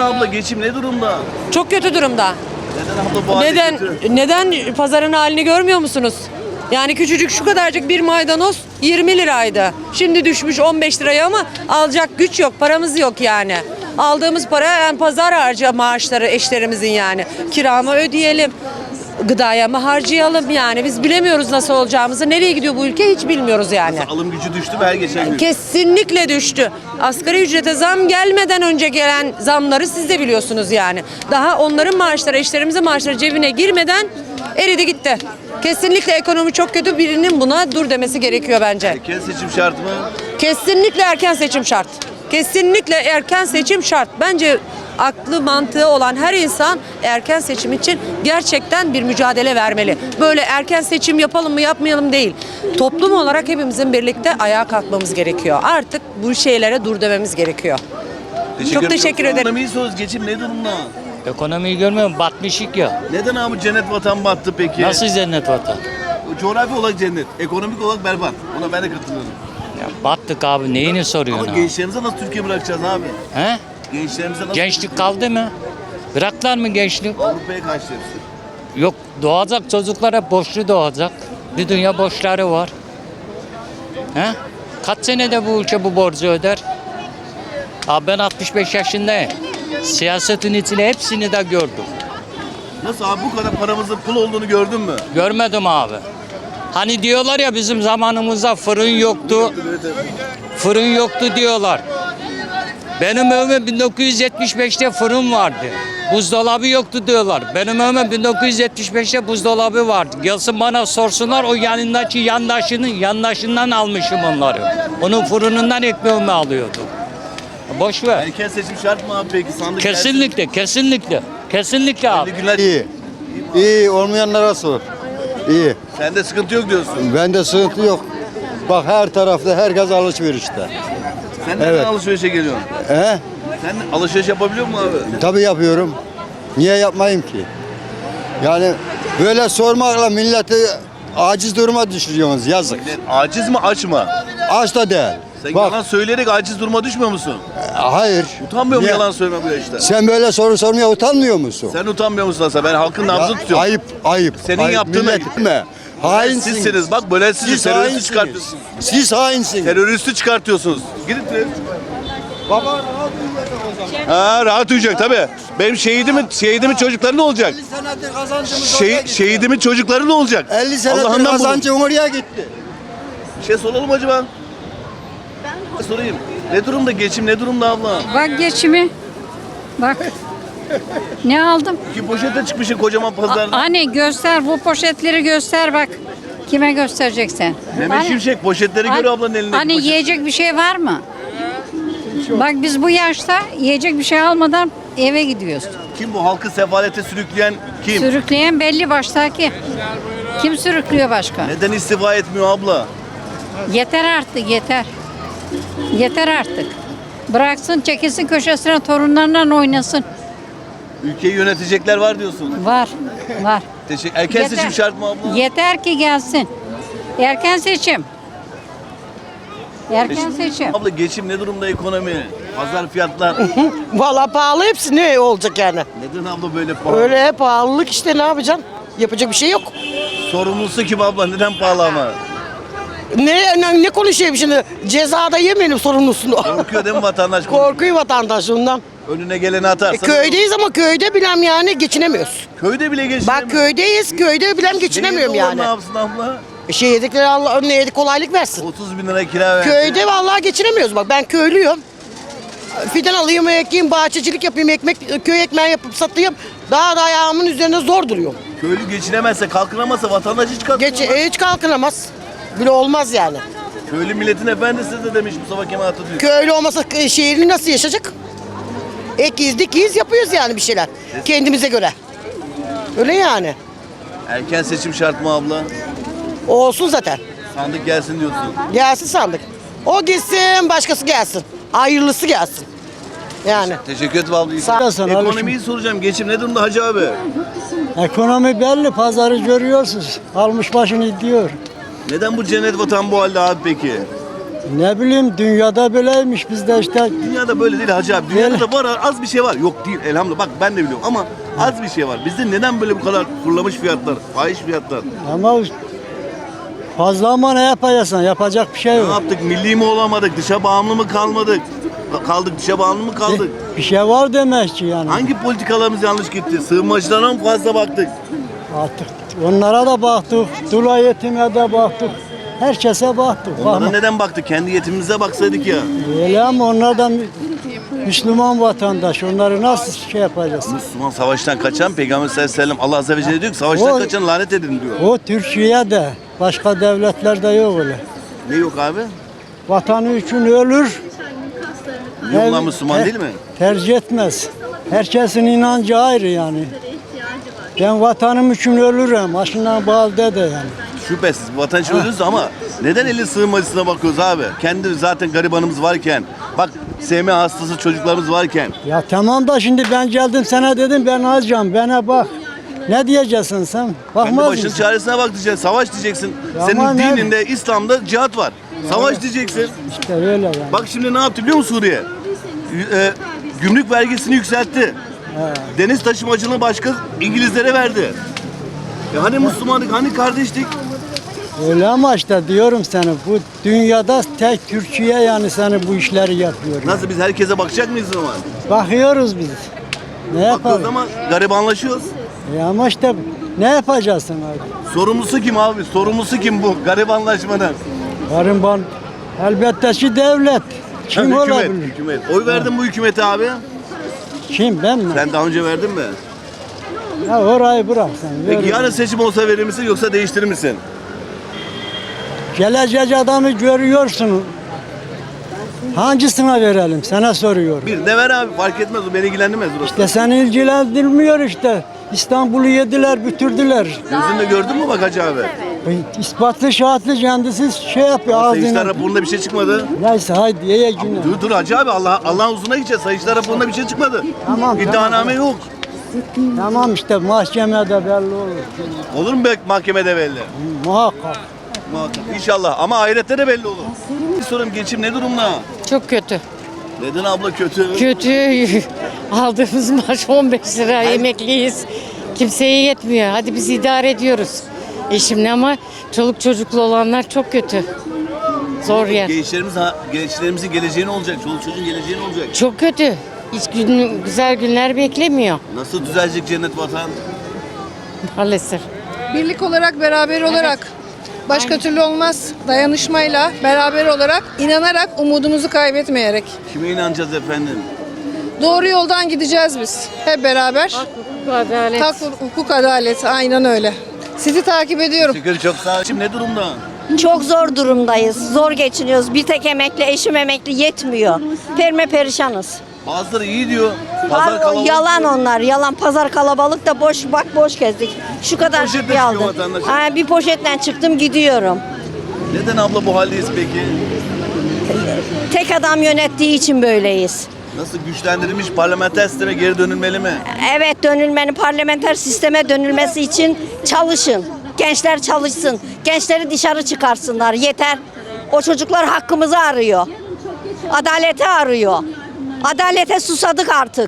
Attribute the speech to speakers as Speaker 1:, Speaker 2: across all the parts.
Speaker 1: abla geçim ne durumda?
Speaker 2: Çok kötü durumda.
Speaker 1: Neden abla bu halde kötü?
Speaker 2: Neden pazarın halini görmüyor musunuz? Yani küçücük şu kadarcık bir maydanoz 20 liraydı. Şimdi düşmüş 15 liraya ama alacak güç yok, paramız yok yani. Aldığımız para yani pazar harcı maaşları eşlerimizin yani. Kiramı ödeyelim, gıdaya mı harcayalım yani. Biz bilemiyoruz nasıl olacağımızı. Nereye gidiyor bu ülke hiç bilmiyoruz yani.
Speaker 1: Alım gücü düştü mü her geçen gün?
Speaker 2: Kesinlikle düştü. Asgari ücrete zam gelmeden önce gelen zamları siz de biliyorsunuz yani. Daha onların maaşları, eşlerimizin maaşları cebine girmeden eridi gitti. Kesinlikle ekonomi çok kötü. Birinin buna dur demesi gerekiyor bence.
Speaker 1: Erken seçim şart mı?
Speaker 2: Kesinlikle erken seçim şart. Kesinlikle erken seçim şart. Bence aklı mantığı olan her insan erken seçim için gerçekten bir mücadele vermeli. Böyle erken seçim yapalım mı yapmayalım değil. Toplum olarak hepimizin birlikte ayağa kalkmamız gerekiyor. Artık bu şeylere dur dememiz gerekiyor. Çok teşekkür ederim.
Speaker 1: Ekonomiyi soruyoruz. Geçim ne durumda?
Speaker 3: Ekonomiyi görmüyor musun? Batmışık ya.
Speaker 1: Neden abi cennet vatan battı peki?
Speaker 3: Nasıl cennet vatan?
Speaker 1: Coğrafi olarak cennet. Ekonomik olarak berbat. Ona ben de katılıyorum.
Speaker 3: Ya battık abi, neyini soruyorsun
Speaker 1: Ama
Speaker 3: abi?
Speaker 1: gençlerimize nasıl Türkiye bırakacağız abi?
Speaker 3: He?
Speaker 1: Gençlerimize nasıl
Speaker 3: Gençlik kaldı mı? Bıraktılar mı gençlik?
Speaker 1: Avrupa'ya kaçtı hepsi.
Speaker 3: Yok, doğacak çocuklar hep borçlu doğacak. Bir dünya borçları var. He? Kaç senede bu ülke bu borcu öder? Abi ben 65 yaşındayım. Siyasetin içine hepsini de gördüm.
Speaker 1: Nasıl abi bu kadar paramızın pul olduğunu gördün mü?
Speaker 3: Görmedim abi. Hani diyorlar ya bizim zamanımızda fırın yoktu. Fırın yoktu diyorlar. Benim evime 1975'te fırın vardı. Buzdolabı yoktu diyorlar. Benim evime 1975'te buzdolabı vardı. Gelsin bana sorsunlar o yanındaki yandaşından almışım onları. Onun fırınından ekmeğimi alıyordum. Boş ver.
Speaker 1: Erken seçim şart mı abi peki? Sandık
Speaker 3: Kesinlikle, kesinlikle. Kesinlikle abi.
Speaker 1: gelsin. Günler.
Speaker 4: İyi. İyi olmayanlara sor. İyi.
Speaker 1: Sende sıkıntı yok diyorsun.
Speaker 4: Bende sıkıntı yok. Bak her tarafta herkes alışverişte.
Speaker 1: Sen neden
Speaker 4: Evet.
Speaker 1: alışverişe geliyorsun?
Speaker 4: He?
Speaker 1: Sen alışveriş yapabiliyor musun abi?
Speaker 4: Tabii yapıyorum. Niye yapmayayım ki? Yani böyle sormakla milleti aciz duruma düşürüyorsunuz. Yazık.
Speaker 1: Aciz mi aç mı?
Speaker 4: Aç da değil.
Speaker 1: Sen
Speaker 4: Bak,
Speaker 1: yalan söyleyerek aciz duruma düşmüyor musun?
Speaker 4: hayır.
Speaker 1: Utanmıyor musun
Speaker 4: Niye?
Speaker 1: yalan söyleme bu yaşta?
Speaker 4: Sen böyle soru sormaya utanmıyor musun?
Speaker 1: Sen utanmıyor musun aslında? Ben halkın nabzını
Speaker 4: Ya,
Speaker 1: tutuyorum.
Speaker 4: ayıp, ayıp.
Speaker 1: Senin
Speaker 4: ayıp.
Speaker 1: yaptığın
Speaker 4: Millet mi? Hainsiniz.
Speaker 1: Sizsiniz bak böyle siz teröristi
Speaker 4: hainsiniz.
Speaker 1: çıkartıyorsunuz.
Speaker 4: Siz hainsiniz.
Speaker 1: Teröristi çıkartıyorsunuz. Gidin terörist.
Speaker 4: Baba rahat uyuyacak o zaman.
Speaker 1: Ha rahat uyuyacak tabii. Benim şehidimin çocukları ne olacak?
Speaker 4: 50 senedir kazancımız oraya gitti.
Speaker 1: Şehidimin çocukları ne olacak?
Speaker 4: 50 senedir
Speaker 1: Allah'ından bulun.
Speaker 4: kazancım oraya gitti.
Speaker 1: Bir şey soralım acaba? Sorayım. Ne durumda geçim ne durumda abla?
Speaker 5: Bak geçimi. Bak. Ne aldım?
Speaker 1: İki poşete çıkmışsın kocaman pazarda.
Speaker 5: Hani göster bu poşetleri göster bak. Kime göstereceksen?
Speaker 1: Mehmet Şimşek poşetleri gör ablanın elindeki
Speaker 5: Hani
Speaker 1: poşet.
Speaker 5: yiyecek bir şey var mı? Bak biz bu yaşta yiyecek bir şey almadan eve gidiyoruz.
Speaker 1: Kim bu halkı sefalete sürükleyen kim?
Speaker 5: Sürükleyen belli baştaki. Kim sürüklüyor başka?
Speaker 1: Neden istifa etmiyor abla?
Speaker 5: Yeter artık yeter. Yeter artık. Bıraksın çekilsin köşesine torunlarla oynasın.
Speaker 1: Ülkeyi yönetecekler var diyorsun.
Speaker 5: Var. Var.
Speaker 1: Erken
Speaker 5: Yeter.
Speaker 1: seçim şart mı abla?
Speaker 5: Yeter ki gelsin. Erken seçim. Erken seçim.
Speaker 1: Abla geçim ne durumda ekonomi? Pazar fiyatlar.
Speaker 6: Valla pahalı hepsi ne olacak yani?
Speaker 1: Neden abla böyle pahalı?
Speaker 6: Öyle pahalılık işte ne yapacaksın? Yapacak bir şey yok.
Speaker 1: Sorumlusu kim abla? Neden pahalı ama?
Speaker 6: Ne konuşayım şimdi? Cezada yemeyelim sorumlusunu.
Speaker 1: Korkuyor değil mi vatandaş?
Speaker 6: Korkuyor vatandaş ondan.
Speaker 1: Önüne geleni atarsa.
Speaker 6: Köydeyiz ama köyde bilem yani geçinemiyoruz.
Speaker 1: Köyde bile geçinemiyor.
Speaker 6: Bak köydeyiz, köyde bilem geçinemiyorum
Speaker 1: Şehirde olan
Speaker 6: yani.
Speaker 1: Ne yapsın abla?
Speaker 6: Şey yedikleri Allah önüne kolaylık versin.
Speaker 1: 30 bin lira kira ver.
Speaker 6: Köyde vallahi geçinemiyoruz bak ben köylüyüm. Fidan alayım, ekeyim, bahçecilik yapayım, köy ekmeği yapıp satayım. Daha da ayağımın üzerinde zor duruyorum.
Speaker 1: Köylü geçinemezse, kalkınamazsa vatandaş hiç kalkınamaz.
Speaker 6: Hiç kalkınamaz. Bile olmaz yani.
Speaker 1: Köylü milletin efendisi de demiş Mustafa Kemal Atatürk.
Speaker 6: Köylü olmasa şehirli nasıl yaşayacak? Ekiz dikiz yapıyoruz yani bir şeyler. Kendimize göre. Öyle yani.
Speaker 1: Erken seçim şart mı abla?
Speaker 6: Olsun zaten.
Speaker 1: Sandık gelsin diyorsun.
Speaker 6: Gelsin sandık. O gitsin başkası gelsin. Hayırlısı gelsin. Yani.
Speaker 1: Teşekkür ederim abla.
Speaker 6: Sağ olasın,
Speaker 1: Ekonomiyi soracağım. Geçim ne durumda Hacı abi?
Speaker 7: Ekonomi belli, pazarı görüyorsunuz. Almış başını gidiyor.
Speaker 1: Neden bu cennet vatan bu halde abi peki?
Speaker 7: Ne bileyim dünyada böyleymiş bizde işte.
Speaker 1: Dünyada böyle değil hacı abi. Dünyada da var, az bir şey var. Yok değil elhamdülillah. Bak ben de biliyorum ama az bir şey var. Bizde neden böyle bu kadar fırlamış fiyatlar, fahiş fiyatlar?
Speaker 7: Ama fazla ama ne yapacaksın? Yapacak bir şey
Speaker 1: Ne
Speaker 7: yok.
Speaker 1: yaptık? Milli mi olamadık? Dışa bağımlı mı kalmadık? Kaldık, dışa bağımlı mı kaldık?
Speaker 7: Bir şey var demek ki yani.
Speaker 1: Hangi politikalarımız yanlış gitti? Sığınmacılara mı fazla baktık?
Speaker 7: Artık onlara da baktık. Dula yetime de baktık. Herkese baktık.
Speaker 1: Onlara
Speaker 7: Ama
Speaker 1: neden baktık? Kendi yetimimize baksaydık ya.
Speaker 7: öyle ama onlar da Müslüman vatandaş. Onları nasıl şey yapacağız?
Speaker 1: Müslüman savaştan kaçan Peygamber sallallahu aleyhi ve sellem Allah azze ve celle diyor ki savaştan
Speaker 7: O-
Speaker 1: kaçan lanet edin diyor.
Speaker 7: O Türkiye'de, başka devletlerde yok öyle.
Speaker 1: Ne yok abi?
Speaker 7: Vatanı için ölür.
Speaker 1: Yok lan Müslüman değil mi?
Speaker 7: Tercih etmez. Herkesin inancı ayrı yani. Ben vatanım için ölürüm. Başından bağlı de yani.
Speaker 1: Şüphesiz vatan için ölürüz ama neden eli sığınmacısına bakıyoruz abi? Kendi zaten garibanımız varken, bak SM hastası çocuklarımız varken.
Speaker 7: Ya tamam da şimdi ben geldim sana dedim ben alacağım. Bana bak. Ne diyeceksin sen?
Speaker 1: Kendi
Speaker 7: Bakmaz
Speaker 1: başının
Speaker 7: mısın?
Speaker 1: çaresine bak diyeceksin. Savaş diyeceksin.
Speaker 7: Ya
Speaker 1: Senin
Speaker 7: ama ne-
Speaker 1: dininde, İslam'da cihat var. Savaş diyeceksin.
Speaker 7: İşte öyle yani.
Speaker 1: Bak şimdi ne yaptı biliyor musun Suriye? Gümrük vergisini yükseltti. Deniz taşımacılığını başka İngilizlere verdi. Hani Müslümanlık, hani kardeşlik?
Speaker 7: Öyle ama işte diyorum sana bu dünyada tek Türkiye yani seni bu işleri yapıyor. yani.
Speaker 1: Nasıl biz herkese bakacak mıyız o zaman?
Speaker 7: Bakıyoruz biz. Ne
Speaker 1: Bakıyoruz
Speaker 7: yapalım?
Speaker 1: ama garibanlaşıyoruz.
Speaker 7: Ama işte ne yapacaksın abi?
Speaker 1: Sorumlusu kim abi? Sorumlusu kim bu garibanlaşmanın?
Speaker 7: Gariban elbette ki devlet. Kim
Speaker 1: Ha, hükümet,
Speaker 7: olabilir?
Speaker 1: hükümet. Oy verdin bu hükümete abi.
Speaker 7: Kim ben mi?
Speaker 1: Sen daha önce verdin mi?
Speaker 7: Ya orayı bırak sen.
Speaker 1: Peki
Speaker 7: Ver.
Speaker 1: yarın seçim olsa verir misin yoksa değiştirir misin?
Speaker 7: Gelecek adamı görüyorsun. Hangisine verelim? Sana soruyorum.
Speaker 1: Bir de ver abi fark etmez o beni ilgilendirmez burası.
Speaker 7: İşte seni ilgilendirmiyor işte. İstanbul'u yediler, bitirdiler.
Speaker 1: Gözünle gördün mü bak hacı abi?
Speaker 7: İspatlı şahatlı kendisi şey yapıyor
Speaker 1: Sayıştay
Speaker 7: ağzına.
Speaker 1: raporunda bir şey çıkmadı.
Speaker 7: Neyse haydi ye günü.
Speaker 1: Dur hacı abi Allah'ın huzuruna gideceğiz. Sayıştay raporunda bir şey çıkmadı.
Speaker 7: Tamam,
Speaker 1: İddianame yok.
Speaker 7: Tamam işte mahkemede belli olur.
Speaker 1: Olur mu be mahkemede belli?
Speaker 7: Muhakkak.
Speaker 1: Muhakkak. İnşallah ama ahirette de belli olur. Bir sorum geçim ne durumda?
Speaker 8: Çok kötü.
Speaker 1: Neden abla kötü?
Speaker 8: Kötü. Aldığımız maaş 15 lira. Emekliyiz. Kimseye yetmiyor. Hadi biz idare ediyoruz. Eşimle ama çoluk çocuklu olanlar çok kötü. Zor yer.
Speaker 1: Gençlerimizin geleceği ne olacak? Çoluk çocuğun geleceği ne olacak?
Speaker 8: Çok kötü. Hiç güzel günler beklemiyor
Speaker 1: Nasıl düzelecek cennet vatan?
Speaker 8: maalesef.
Speaker 9: Birlik olarak, beraber olarak. Başka türlü olmaz. Dayanışmayla, beraber olarak, inanarak, umudumuzu kaybetmeyerek.
Speaker 1: Kime inanacağız efendim?
Speaker 9: Doğru yoldan gideceğiz biz. Hep beraber.
Speaker 8: Adalet.
Speaker 9: Hukuk, adalet. Aynen öyle. Sizi takip ediyorum.
Speaker 1: Şükür çok sağ ol. Şimdi ne durumda?
Speaker 10: Çok zor durumdayız. Zor geçiniyoruz. Bir tek emekli, eşim emekli yetmiyor. Perişanız.
Speaker 1: Bazıları iyi diyor. Pazar kalabalık.
Speaker 10: Yalan onlar. Yalan. Pazar kalabalık da boş bak boş gezdik. Şu kadar
Speaker 1: Poşetle
Speaker 10: bir
Speaker 1: çıkıyor
Speaker 10: aldım.
Speaker 1: vatandaş.
Speaker 10: Bir poşetle çıktım gidiyorum.
Speaker 1: Neden abla bu haldeyiz peki?
Speaker 10: Tek adam yönettiği için böyleyiz.
Speaker 1: Nasıl güçlendirilmiş parlamenter sisteme geri dönülmeli mi?
Speaker 10: Evet dönülmenin parlamenter sisteme dönülmesi için çalışın. Gençler çalışsın. Gençleri dışarı çıkarsınlar. Yeter. O çocuklar hakkımızı arıyor. Adaleti arıyor. Adalete susadık artık.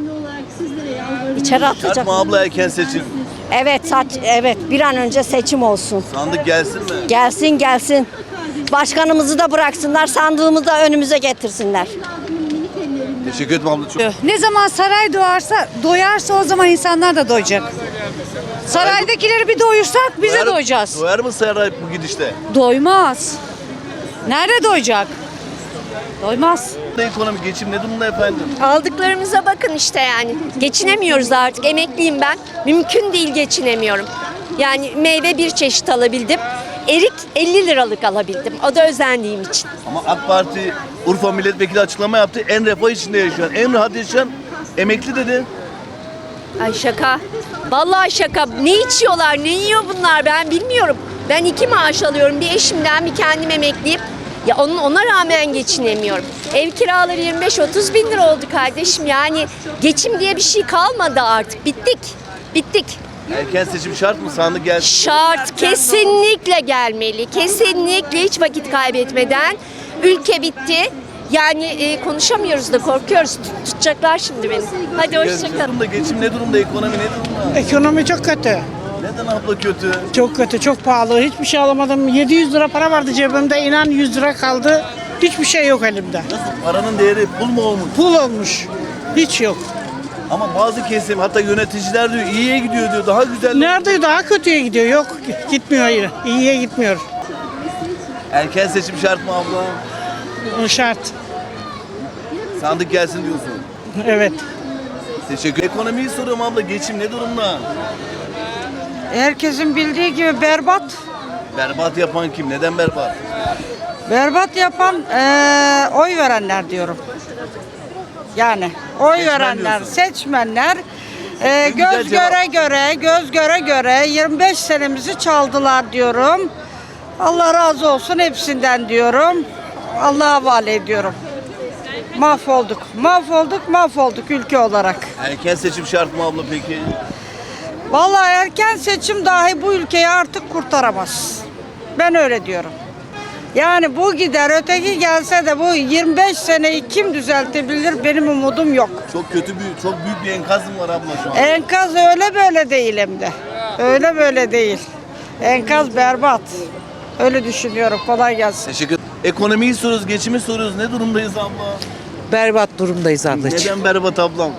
Speaker 10: İçeri atacak.
Speaker 1: Şart mı abla erken seçim?
Speaker 10: Evet bir an önce seçim olsun.
Speaker 1: Sandık gelsin mi?
Speaker 10: Gelsin. Başkanımızı da bıraksınlar. Sandığımızı da önümüze getirsinler.
Speaker 1: Teşekkür ederim abla çok.
Speaker 5: Ne zaman saray doyarsa o zaman insanlar da doyacak. Saraydakileri bir doyursak biz de doyacağız.
Speaker 1: Doyar mı saray bu gidişte?
Speaker 5: Doymaz. Nerede doyacak? Doymaz.
Speaker 1: Ekonomi geçim ne durumda efendim?
Speaker 11: Aldıklarımıza bakın işte yani. Geçinemiyoruz artık. Emekliyim ben. Mümkün değil geçinemiyorum. Yani meyve bir çeşit alabildim. Erik 50 liralık alabildim. O da özendiğim için.
Speaker 1: Ama AK Parti Urfa milletvekili açıklama yaptı. En refah içinde yaşayan, en rahat yaşayan emekli dedi.
Speaker 11: Ay şaka. Vallahi şaka. Ne içiyorlar, ne yiyor bunlar ben bilmiyorum. Ben 2 maaş alıyorum. Bir eşimden bir kendim emekliyim. Ya ona rağmen geçinemiyorum. Ev kiraları 25-30 bin lira oldu kardeşim. Yani geçim diye bir şey kalmadı artık. Bittik.
Speaker 1: Erken seçim şart mı? Sandık gelsin.
Speaker 11: Şart. Kesinlikle gelmeli. Kesinlikle hiç vakit kaybetmeden Ülke bitti. Yani konuşamıyoruz da korkuyoruz. Tutacaklar şimdi beni. Hadi
Speaker 1: Ne
Speaker 11: hoşçakalın.
Speaker 1: durumda? Geçim ne durumda? Ekonomi ne durumda?
Speaker 6: Ekonomi çok kötü.
Speaker 1: Neden abla kötü?
Speaker 6: Çok kötü, çok pahalı. Hiçbir şey alamadım. 700 lira para vardı cebimde. İnan 100 lira kaldı. Hiçbir şey yok elimde.
Speaker 1: Nasıl? Paranın değeri pul mu olmuş?
Speaker 6: Pul olmuş. Hiç yok.
Speaker 1: Ama bazı kesim hatta yöneticiler diyor iyiye gidiyor diyor. Daha güzel.
Speaker 6: Nerede daha kötüye gidiyor? Yok, gitmiyor yine. İyiye gitmiyor.
Speaker 1: Erken seçim şart mı abla?
Speaker 6: O şart.
Speaker 1: Sandık gelsin diyorsun.
Speaker 6: Evet.
Speaker 1: Teşekkür. Ekonomiyi soruyorum abla. Geçim ne durumda?
Speaker 5: Herkesin bildiği gibi berbat.
Speaker 1: Berbat yapan kim? Neden berbat?
Speaker 5: Berbat yapan oy verenler diyorum. Yani oy
Speaker 1: Seçmen
Speaker 5: verenler,
Speaker 1: diyorsun.
Speaker 5: seçmenler
Speaker 1: En güzel
Speaker 5: göz
Speaker 1: cevap.
Speaker 5: göre göre 25 senemizi çaldılar diyorum. Allah razı olsun hepsinden diyorum. Allah'a havale ediyorum. Mahvolduk ülke olarak.
Speaker 1: Erken seçim şart mı abla peki?
Speaker 5: Vallahi erken seçim dahi bu ülkeyi artık kurtaramaz. Ben öyle diyorum. Yani bu gider, öteki gelse de bu 25 seneyi kim düzeltebilir benim umudum yok.
Speaker 1: Çok çok büyük bir enkaz mı var abla şu an?
Speaker 5: Enkaz öyle böyle değil hem de. Öyle böyle değil. Enkaz berbat. Öyle düşünüyorum. Kolay gelsin.
Speaker 1: Teşekkür. Ekonomiyi soruyoruz, geçimi soruyoruz. Ne durumdayız abla?
Speaker 2: Berbat durumdayız ablacığım.
Speaker 1: Neden berbat ablam?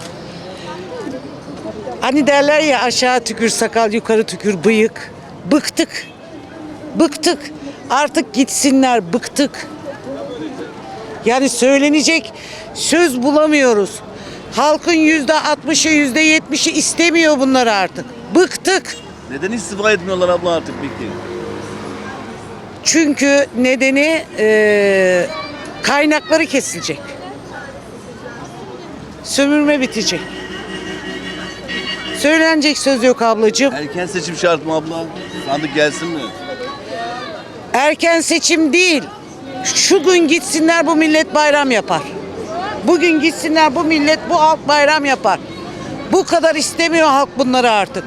Speaker 2: Hani derler ya aşağı tükür sakal, yukarı tükür bıyık. Bıktık. Bıktık. Artık gitsinler, bıktık. Yani söylenecek söz bulamıyoruz. Halkın %60'ı, %70'i istemiyor bunları artık. Bıktık.
Speaker 1: Neden istifa etmiyorlar abla artık peki?
Speaker 2: Çünkü nedeni kaynakları kesilecek. Sömürme bitecek. Söylenecek söz yok ablacığım.
Speaker 1: Erken seçim şart mı abla? Sandık gelsin mi?
Speaker 2: Erken seçim değil. Şu gün gitsinler bu millet bayram yapar. Bugün gitsinler bu millet, bu halk bayram yapar. Bu kadar istemiyor halk bunları artık.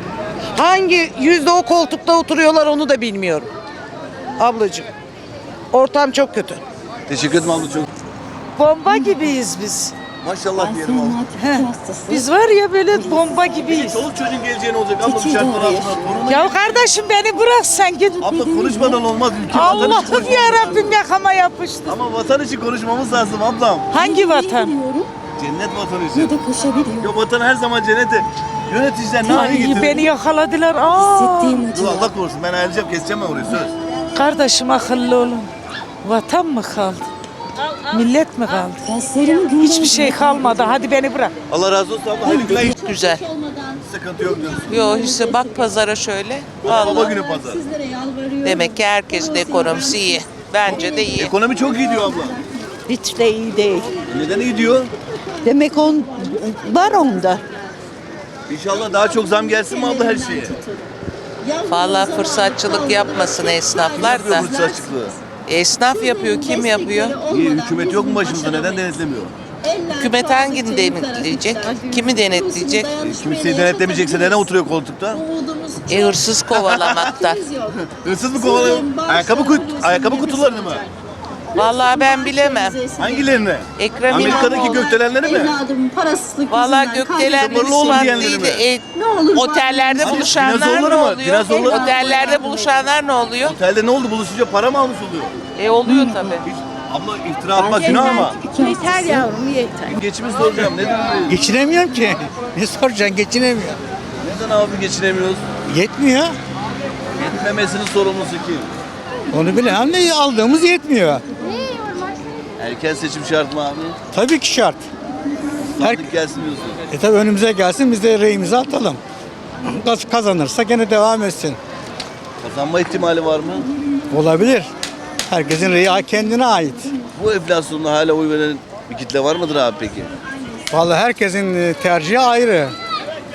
Speaker 2: Hangi yüzde o koltukta oturuyorlar onu da bilmiyorum. Ablacığım. Ortam çok kötü.
Speaker 1: Teşekkür ederim abla çok.
Speaker 5: Bomba gibiyiz biz.
Speaker 1: Maşallah diyelim abla.
Speaker 5: Biz var ya böyle bomba gibiyiz.
Speaker 1: Çoluk çocuğun geleceği ne olacak abla bu şartlar altında? Torunu...
Speaker 5: Ya kardeşim beni bırak sen git.
Speaker 1: Abla konuşmadan olmaz. Ülke vatan için
Speaker 5: Allah'ım
Speaker 1: konuşmamız
Speaker 5: ya
Speaker 1: lazım.
Speaker 5: Rabbim yakama yapıştı.
Speaker 1: Ama vatan için konuşmamız lazım ablam.
Speaker 5: Hangi vatan?
Speaker 1: Cennet vatan için. Ya vatan her zaman cennete. Yöneticiler ne hale
Speaker 5: Ay,
Speaker 1: getiriyor?
Speaker 5: beni yakaladılar. Aa.
Speaker 1: Dur Allah korusun ben ayrılacağım keseceğim ben orayı söz.
Speaker 5: Kardeşim akıllı olun. Vatan mı kaldı? Millet mi kaldı? Hiçbir şey kalmadı. Hadi beni bırak.
Speaker 1: Allah razı olsun abla. Hayırlı günler.
Speaker 2: Güzel.
Speaker 1: Sıkıntı yok diyorsun.
Speaker 2: Yo işte bak pazara şöyle.
Speaker 1: Baba günü pazar.
Speaker 2: Demek ki herkesin ekonomisi iyi. Bence de iyi.
Speaker 1: Ekonomi çok iyi diyor abla.
Speaker 5: Hiç de iyi değil.
Speaker 1: Neden iyi diyor?
Speaker 5: Demek on var onda.
Speaker 1: İnşallah daha çok zam gelsin mi abla her şeye?
Speaker 2: Vallahi fırsatçılık yapmasın esnaflar da.
Speaker 1: Fırsat açıklığı.
Speaker 2: Esnaf yapıyor, kim yapıyor?
Speaker 1: İyi hükümet yok mu başımızda neden denetlemiyor?
Speaker 2: Hükümet hangini denetleyecek? Kimi denetleyecek?
Speaker 1: Kimseyi denetlemeyecekse neden oturuyor koltukta?
Speaker 2: Hırsız kovalamakta.
Speaker 1: Hırsız mı kovalıyor? Ayakkabı kutularını mı?
Speaker 2: Vallahi ben bilemem.
Speaker 1: Hangilerini?
Speaker 2: Ekrem
Speaker 1: Amerika'daki
Speaker 2: İmamoğlu.
Speaker 1: gökdelenleri mi?
Speaker 2: Vallahi gökdelenleri
Speaker 1: Sabırlı olun
Speaker 2: falan
Speaker 1: diyenleri
Speaker 2: değil de otellerde buluşanlar ne
Speaker 1: dinozorları mı?
Speaker 2: oluyor?
Speaker 1: Dinozorları mı?
Speaker 2: Otellerde buluşanlar ne oluyor?
Speaker 1: Otelde ne oldu buluşunca para mı almış oluyor?
Speaker 2: Oluyor tabii.
Speaker 1: Hiç, abla iftira atmak günah ama.
Speaker 5: Yeter yavrum yeter.
Speaker 1: Geçimi soracağım. Neden?
Speaker 7: Geçinemiyorum ki. Ne soracaksın? Geçinemiyorum.
Speaker 1: Neden abi geçinemiyoruz?
Speaker 7: Yetmiyor.
Speaker 1: Yetmemesinin sorumlusu kim?
Speaker 7: Onu bilemem de aldığımız yetmiyor.
Speaker 1: Erken seçim şart mı abi?
Speaker 7: Tabii ki şart.
Speaker 1: Sandık gelsin diyorsun.
Speaker 7: Tabii önümüze gelsin biz de reyimizi atalım. Kazanırsa gene devam etsin.
Speaker 1: Kazanma ihtimali var mı?
Speaker 7: Olabilir. Herkesin reyi kendine ait.
Speaker 1: Bu enflasyonda hala oy veren bir kitle var mıdır abi peki?
Speaker 7: Vallahi herkesin tercihi ayrı.